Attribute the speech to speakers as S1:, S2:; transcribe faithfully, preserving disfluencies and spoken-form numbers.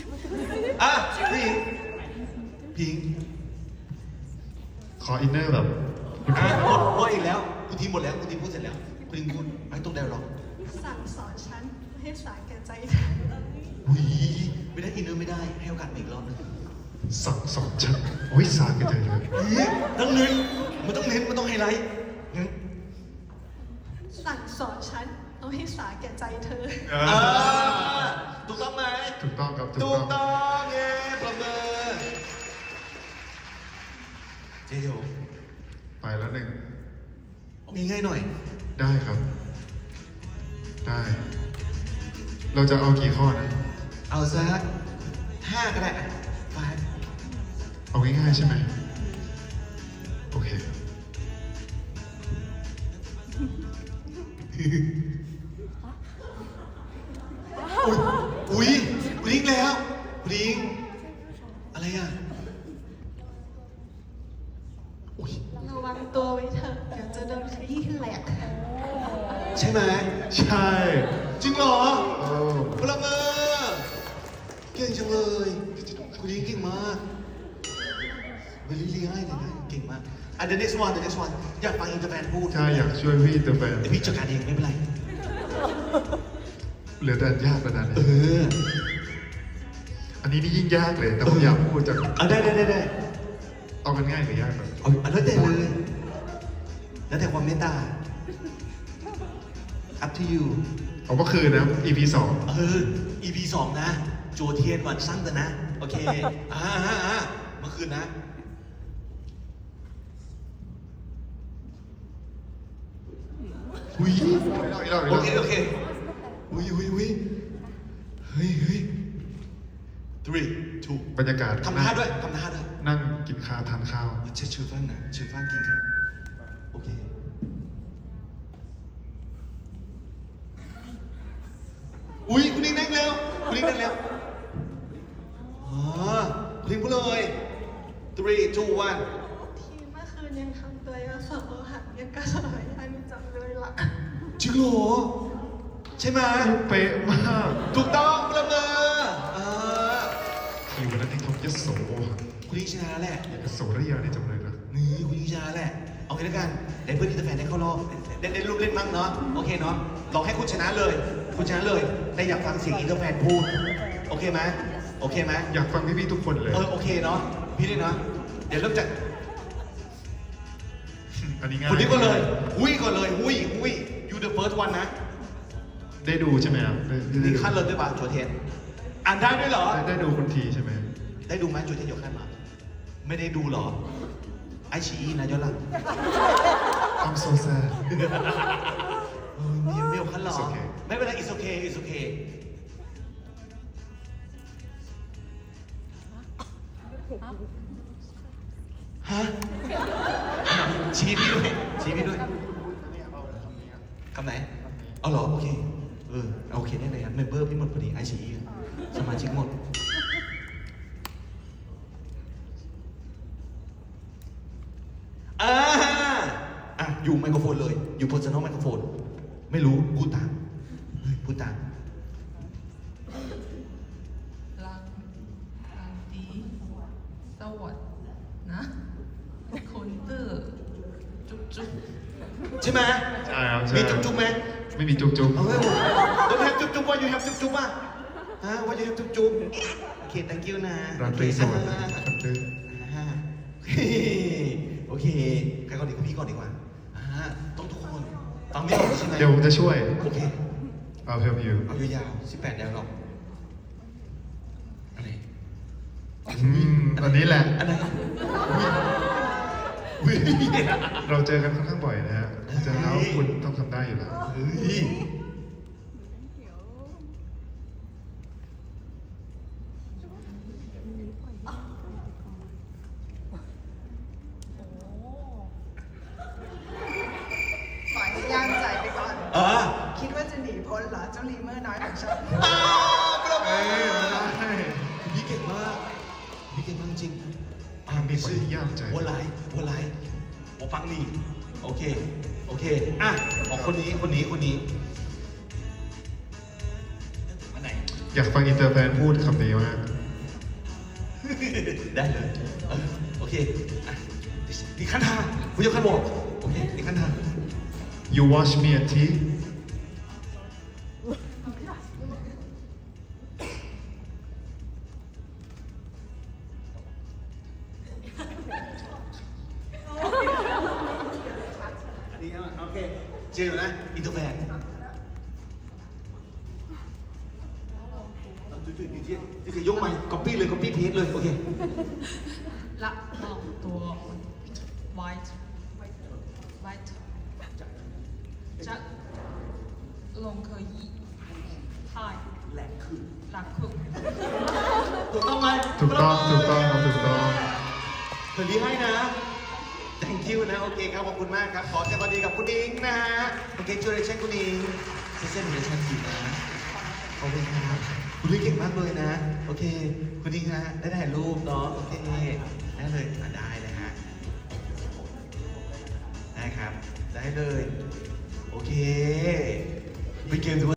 S1: อ่ะพี่พิง
S2: ขออินเนอร์แบบ
S1: อ่ะหมดหมดอีกแล้วคุณทีหมดแล้วคุณทีพูดเสร็จแล้วคุณทีพูดไม่ต้องได้หรอก
S3: สั่งสอนฉันให้สาแก่ใจเธอ
S1: อุ้ยไม่ได้อินเนอร์ไม่ได้ให้โอกาสอีกรอบนึง
S2: สั่งสอนฉันวิสากันเลยเลย
S1: นี่ต้องเน้นมันต้องเน้นมันต้องไฮไลท์งั้น
S3: สั่งสอนฉันเอาให้สาแก่ใจเธอ
S1: อ่าถูกต้องไหม
S2: ถูกต้องครับถู
S1: ถู
S2: ก
S1: ก
S2: ต้อง
S1: ต้องเย้ปรบมือเจ๊เดียว
S2: ไปแล้วหนึ่ง
S1: ง่ายๆหน่อย
S2: ได้ครับ ได้ เราจะเอากี่ข้อนะ
S1: เอาสักห้าก็ได้ไป
S2: เอาง่ายๆใช่ไหมโอเค
S1: อุ้ยคุณลิงแล้วคุณลิงอะไรอ่ะอุ้ย
S3: ระวังตัวไว้เถอะเดี๋ยวจะโดนขยี้แหลก
S1: ใช่ไหม
S2: ใช่
S1: จริงเหรอ
S2: โอ้
S1: ปรบมือเก่งจังเลยคุณลิงเก่งมากเวลี่ลี่ให้เลยนะเก่งมากอ่ะ the next one the next one อยากฟังอินเตอร์แฟนพูด
S2: ใช่อยากช่วยพี่เตอร์แฟน
S1: เดี๋ยวพี่จัดการเองไม่เป็นไร
S2: เหลือแต่ยากกระดาน
S1: เอ
S2: นี้
S1: อ
S2: อันนี้นี่ยิ่งยากเลย แต่ผมอยากพูดจาก
S1: เอาได้ได้ได้ได้
S2: เอากันง่ายหรือยากแบบ
S1: เอาเอาแล้วแต่เลย แล้วแต่ความเมตตา up to you
S2: เอาเมื่อคืนนะ อี พี สอง
S1: เออ อี พี สองนะ โจเทียนวันสั้นแต่นะ โอเค อ่าอ่าอ่าเมื่อคืนนะ
S2: อุ้ยเรา
S1: โอเค โอเค อุ้ยอุ้ยอุ้ยเฮ้ยเฮ้ย three two
S2: บรรยากาศ
S1: ทำท่าด้วยทำท่าด้วย
S2: นั่งกินข้าวทานข้าว
S1: เชื่อชื่อฟังนะชื่อฟังกินครับ โอเค อุ้ยคุณลิงนั่งเร็วคุณลิงนั่งเร็วอ๋อคุณลิงพูดเลย three two one
S3: ที่เมื่อคืนยังทำตัวยาสอหักยังกระสอยอันจังเลยล่ะ
S1: จริงเหรอใช่ไหม
S2: เป๊ะมาก
S1: ถูกต้องประเมินอ่า
S2: คิวนั้นที่ทบยโส
S1: คุณลิงชนะแล้วแหละ
S2: ยโสระยานี่จำเลยนะ
S1: นี่คุณลิงชนะแล้วแหละ เอางี้แล้วกันได้เพื่อนที่จะแฟนได้เข้ารอบได้ได้ลูกเล่นบ้างเนาะ โอเคเนาะลองให้คุณชนะเลย คุณชนะเลยได้อยากฟังเสียงอินเตอร์แฟนพูด โอเคไหมโอเคไหม
S2: อยากฟังพี่ๆทุกคนเลย
S1: เออโอเคเนาะ พี่ด้วยเนาะ เดี๋ยวเริ่มจาก
S2: อันนี้ง่าย
S1: คุณลิงก่อนเลย หุ้ยก่อนเลย หุ้ยหุ้ย you the first one นะ
S2: ได้ดูใช่ไหมครับได้ได้
S1: นี่
S2: ดู
S1: ขั้นเลยด้วยป่ะโจเทนอ่านได้ด้วยเหรอ
S2: ได้ได้ดูคนทีใช่ไหม
S1: ได้ดูไหมโจเทนยกขั้นมา ไม่ได้ดูเหรอ ไอชีอีนะย้อนหลัง
S2: I'm so sad
S1: เออมีไม่ยกขั้นเหรอ
S2: It's okay
S1: ไม่เป็นไร it's okay it's okay ฮะ ชี้พี่ด้วย ชี้พี่ด้วยคำไหน เอาเหรอ โอเค เออ โอเคได้เลยครับเมมเบอร์พี่หมดพอดีไอชีสมาชิกหมด อ่าอ่ะ อยู่ไมโครโฟนเลย อยู่ personal ไมโครโฟน ไม่รู้ พูดตาม เฮ้ย พูดตาม
S4: รังรังดีสวัสดนะคนตื้อจุ๊บจุ๊บ
S1: ใช่ไหม
S2: ใช่ครับใช่
S1: มีจุ๊บจุ๊บไหม
S2: ไม่มีจุ๊บจุ๊บ
S1: เอาไว้ผมต้องแฮปจุ๊บจุ๊บว่าอยู่แฮปจุ๊บจุ๊บป่ะฮะว่าอยู่แฮปจุ๊บจุ๊บโอเค thank you นะ
S2: ราตรีสวัสดิ์
S1: อ่า
S2: ครับดื้อ
S1: อ่าโอเค ใครก่อนดีกว่าพี่ก่อนดีกว่าอ่าต้องทุกคน ฟังไม่ออกใช่ไหม
S2: เดี๋ยวผมจะช่วย
S1: โอเค
S2: I'll help you
S1: เอายาวๆสิบแปดแนวหรอกอะไร
S2: อืมอันนี้แหละ
S1: อันไหนอุ้ย
S2: เราเจอกันค่อนข้างบ่อยนะฮะเจอแล้วคุณต้องทำได้อยู่แล้ว
S1: เฮ้ย
S3: ปล่อยให้ย่างใจไปก่อน
S1: อ่า
S3: คิดว่าจะหนีพ้นเหรอเจ้าลีเมอร์น้อยของฉัน
S1: อ่าประมื
S2: เอ้
S1: อย
S2: ไม่ได้
S1: พี่เก่งมากพี่เก่งมากจริงอ่า
S2: มีคนที่ยากใจ
S1: หัวไหลหัวไหลหัวฟังนี่โอเค โอเค อ่ะของคนนี้ คนนี้ คนนี้ อันไหน
S2: อยากฟังอินเตอร์แฟนพูดคำนี้มาก
S1: ได้เลยเออโอเคอ่ะดิคันทาคุณยกขันบอกโอเคดิคันทา
S2: You wash me a tea
S1: อันนี้โอเคเจอนะอินเตอร์แฟนจุดๆอยู่ที่นี่คือยกใหม่ก๊อปปี้เลยก๊อปปี้เพจเลยโอเค
S4: ละลองตัว white white จะลง可以太
S1: แหลกคือ
S4: หลักคือ
S1: ถูกต้องไหม
S2: ถูกต้องถูกต้องครับถูกต้อง
S1: เธอรีให้นะ thank you นะ โอเคครับ ขอบคุณมากครับ ขอแสดงความดีกับคุณอิงนะฮะ โอเคช่วยเช็คคุณอิงเซ็นเซ็นเดี๋ยวฉันผิดนะ ขอบคุณครับคุณลิงเก่งมากเลยนะ โอเค คุณอิงฮะ ได้ถ่ายรูปเนาะ โอเค ได้เลยอ่ะได้เลยฮะ ได้ครับ ได้เลย โอเคไปเกมดู